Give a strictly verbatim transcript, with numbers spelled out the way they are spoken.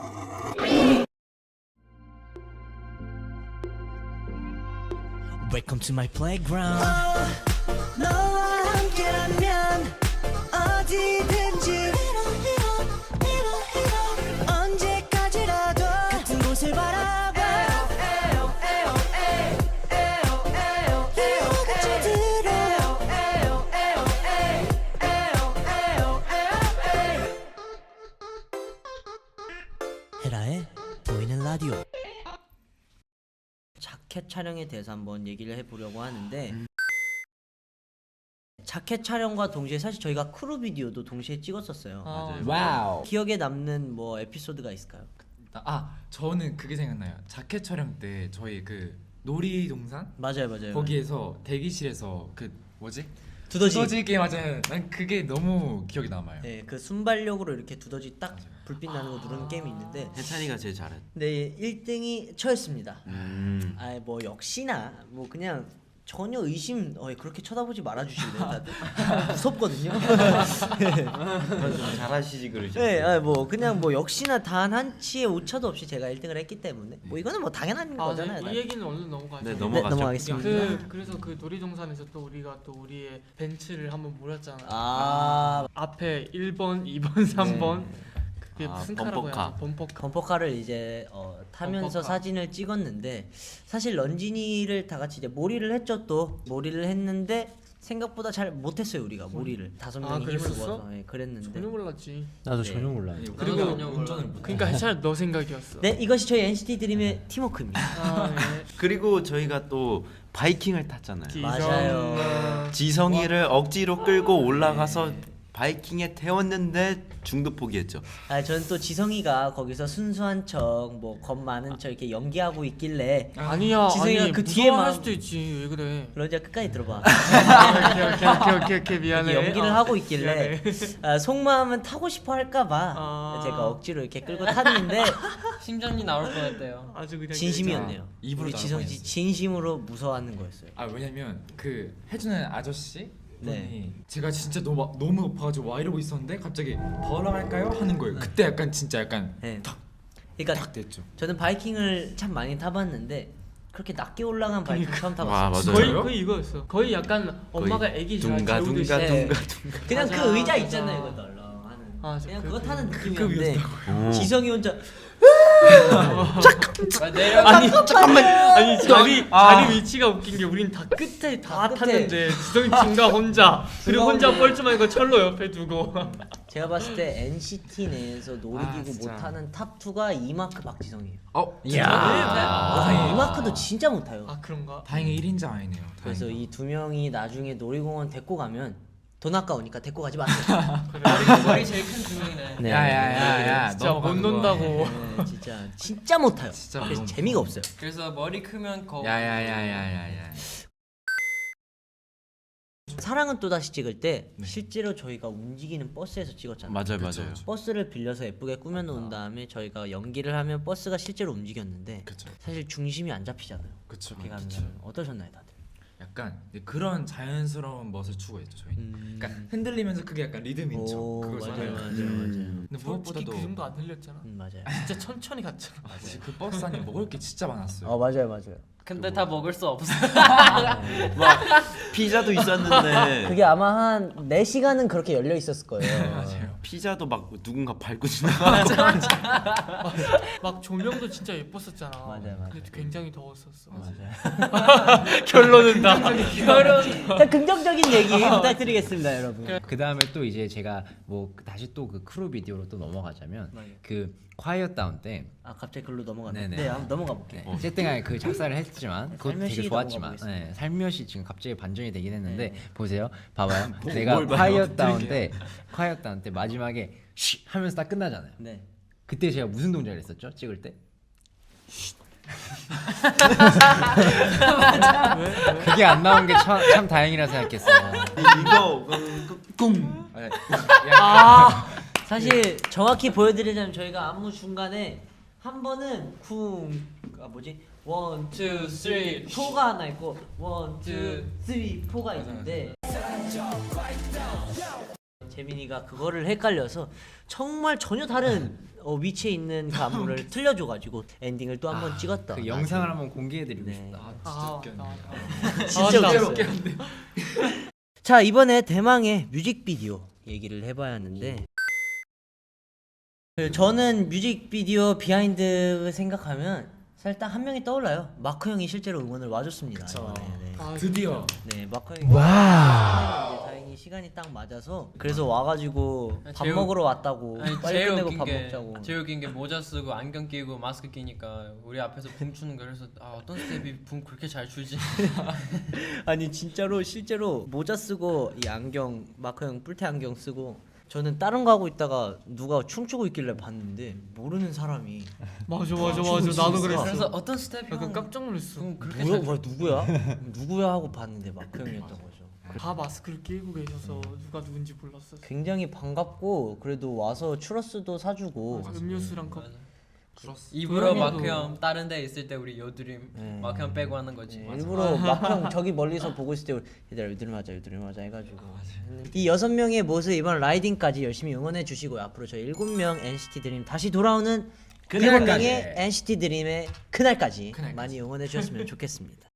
Welcome to my playground. 어, 너와 함께라면 어디든지 언제까지라도 같은 곳을 바라봐. 같이 들어. 헤라의 보이는 라디오. 자켓 촬영에 대해서 한번 얘기를 해보려고 하는데 음. 자켓 촬영과 동시에 사실 저희가 크루 비디오도 동시에 찍었었어요. 아, 와우. 기억에 남는 뭐 에피소드가 있을까요? 아 저는 그게 생각나요. 자켓 촬영 때 저희 그 놀이동산 맞아요, 맞아요. 거기에서 대기실에서 그 뭐지? 두더지. 두더지 게임 맞아요. 난 그게 너무 기억이 남아요. 네, 그 순발력으로 이렇게 두더지 딱 맞아요. 불빛 나는 거 누르는 게임이 있는데 해찬이가 제일 잘했. 네, 일 등이 저였습니다. 음. 아, 뭐 역시나 뭐 그냥 전혀 의심 어 그렇게 쳐다보지 말아 주실래요, 다들? 무섭거든요. 잘하시지 그러죠. 네, 아, 뭐 그냥 뭐 역시나 단 한 치의 오차도 없이 제가 일 등을 했기 때문에 뭐 이거는 뭐 당연한 아, 거잖아요. 네, 이 얘기는 얼른 넘어가죠. 네, 네, 넘어가죠. 넘어가겠습니다. 그 그래서 그 놀이동산에서 또 우리가 또 우리의 벤츠를 한번 몰았잖아. 아, 앞에 일 번, 이 번, 삼 번 네. 그게 아, 무슨 카라고 범퍼카. 해야 범퍼카. 범퍼카를 이제 어, 타면서 범퍼카. 사진을 찍었는데 사실 런쥔이를 다 같이 이제 몰이를 했죠. 또 몰이를 했는데 생각보다 잘 못했어요 우리가 몰이를 다섯 아, 명이 힘을 그랬었어? 모아서 예, 그랬는데 전혀 몰랐지. 나도 네. 전혀 몰라. 그리고 운전을 못. 그러니까 해찬 너 생각이었어. 네, 이것이 저희 엔시티 드림의 팀워크입니다. 아, 네. 그리고 저희가 또 바이킹을 탔잖아요. 기- 맞아요. 지성이를 억지로 끌고 올라가서 네. 바이킹에 태웠는데 중도 포기했죠. 아, 저는 또 지성이가 거기서 순수한 척, 뭐 겁 많은 척 이렇게 연기하고 있길래 아니야. 지성이가 아니, 그 그 뒤에만- 뒤에만 할 수도 있지. 왜 그래? 런쥔아 끝까지 들어봐. 아, 오케이 오케이 오케이 오케이, 오케이 미안해. 이렇게 연기를 어, 하고 있길래 미안해. 아, 속마음은 타고 싶어 할까봐 아. 제가 억지로 이렇게 끌고 탔는데 심장이 나올 뻔했대요. 아주 그냥 진심이었네요. 입으로 우리 나올 지성 씨 뻔했어. 진심으로 무서워하는 거였어요. 아 왜냐면 그 해주는 아저씨 분이 네. 제가 진짜 너무 너무 높아가지고 와 이러고 있었는데 갑자기 더 올라갈까요 하는 거예요. 그때 약간 진짜 약간 네. 탁 그러니까 탁 됐죠. 저는 바이킹을 참 많이 타봤는데 그렇게 낮게 올라간 바이킹 처음 타봤어요. 와, 맞아요. 거의 거의 이거였어. 거의 약간 엄마가 애기 잘 둥가 둥가 재우듯이. 네. 둥가 둥가. 그냥 맞아, 그 의자 맞아. 있잖아요, 이거 널렁하는. 아, 저 그냥 그- 그거 타는 그 느낌이었는데 오. 지성이 혼자 아, 내려. 아니 잠깐만. 아니 자리 아. 자리 위치가 웃긴 게 우린 다 끝에 다, 다 끝에. 탔는데 지성이 중간 혼자 그리고 혼자 혼자. 뻘쭘한 거 철로 옆에 두고. 제가 봤을 때 엔시티 내에서 아, 놀이기구 진짜. 못하는 탑이가 이마크 박지성이에요. 어 이야. 아, 이마크도 진짜 못해요. 아 그런가? 다행히 일 인자 아니네요. 그래서 다행히. 이 두 명이 나중에 놀이공원 데리고 가면 돈 아까우니까 데리고 가지 마세요. 머리 제일 큰 두 명이네. 네. 야야야야 진짜 못 논다고. 네, 진짜 진짜 못해요. 진짜 그래서 못 재미가 없어요. 그래서 머리 크면 거. 야야야야야야. 사랑은 또 다시 찍을 때 네. 실제로 저희가 움직이는 버스에서 찍었잖아요. 맞아요, 그쵸, 맞아요. 그쵸. 버스를 빌려서 예쁘게 꾸며놓은 다음에 저희가 연기를 하면 버스가 실제로 움직였는데 그쵸. 사실 중심이 안 잡히잖아요. 그쵸. 그렇게 그쵸. 가면 어떠셨나요, 다들? 약간 그런 자연스러운 멋을 추구했죠 저희는. 음. 그러니까 흔들리면서 그게 약간 리듬인 척 오, 그걸 맞아요, 좋아해요. 맞아요, 음. 근데 솔직히 무엇보다도 그 정도 안 흘렸잖아. 음, 맞아요. 진짜 천천히 갔잖아. 아, 진짜 그 버스 안에 먹을 게 진짜 많았어요. 어, 맞아요, 맞아요. 근데 다 먹을 수 없어. 막 피자도 있었는데 그게 아마 한 네 시간은 그렇게 열려 있었을 거예요. 맞아요. 피자도 막 누군가 밟고 지나가. 막 조명도 진짜 예뻤었잖아. 맞아요, 맞아요. 근데 굉장히 더웠었어. 맞아요. 결론은 다. 자, 긍정적인 얘기 부탁드리겠습니다, 여러분. 그 다음에 또 이제 제가 뭐 다시 또 그 크루 비디오로 또 넘어가자면 맞아요. 그 콰이어 다운 때 아, 갑자기 글로 넘어가네. 네네. 네, 한번 넘어가 볼게요. 네, 어쨌든 간에 그 작사를 했지만 그것도 되게 살며시 좋았지만 넘어가 네, 살며시 지금 갑자기 반전이 되긴 했는데 네. 보세요 봐봐요 뭐, 내가 뭘 봐요? 콰이어 다운 때 콰이어 다운 때 마지막에 쉬 하면서 딱 끝나잖아요. 네. 그때 제가 무슨 동작을 했었죠? 찍을 때? 그게 안 나온 게 참 다행이라 생각했어요. 이거 그, 꿍. 아, 사실 정확히 보여드리자면 저희가 안무 중간에 한 번은 쿵, 아 뭐지? 원, 투, 쓰리. 포가 하나 있고 원, 투, 투, 쓰리, 포가 있는데 재민이가 그거를 헷갈려서 정말 전혀 다른 어, 위치에 있는 그 안무를 틀려줘가지고 엔딩을 또 한 번 찍었다. 그 영상을 한번 공개해드리고 네. 싶다. 아 진짜 아, 웃겼네. 진짜 아, 웃겼어요. 자 이번에 대망의 뮤직비디오 얘기를 해봐야 하는데 그 저는 뮤직비디오 비하인드 생각하면 사실 딱 한 명이 떠올라요. 마크 형이 실제로 응원을 와줬습니다. 그쵸. 이번에. 네. 아, 드디어 네, 마크 형이 와. 다행히 시간이 딱 맞아서 그래서 와가지고 밥 제일- 먹으러 왔다고 아니 빨리 제일 끝내고 웃긴 밥 게 먹자고. 제일 웃긴 게 모자 쓰고 안경 끼고 마스크 끼니까 우리 앞에서 붕 추는 거 그래서 아 어떤 스텝이 붕 그렇게 잘 추지? 아니 진짜로 실제로 모자 쓰고 이 안경 마크 형 뿔테 안경 쓰고 저는 다른 거 하고 있다가 누가 춤추고 있길래 봤는데 모르는 사람이 맞아 맞아 춤을 맞아 나도 추고 그랬어. 그래서 어떤 스텝이 약간 깜짝 놀랐어. 붕 그렇게 뭐야, 잘 뭐야 누구야? 누구야 하고 봤는데 마크 형이었던 거죠. 다 마스크를 끼고 계셔서 누가 누군지 몰랐어. 굉장히 반갑고 그래도 와서 추러스도 사주고 맞아, 음료수랑 컵. 입으로 도영이도- 마크 형 다른 데 있을 때 우리 여드림 네. 마크 형 빼고 하는 거지. 일부러 마크 형 저기 멀리서 보고 있을 때 우리 얘들아 여드름 하자 여드름 하자 해가지고 이 여섯 명의 모습 이번 라이딩까지 열심히 응원해 주시고 앞으로 저희 일곱 명 엔시티 드림 다시 돌아오는 일곱 그날까지. 명의 엔시티 드림의 그날까지 그날까지. 많이 응원해 주셨으면 좋겠습니다.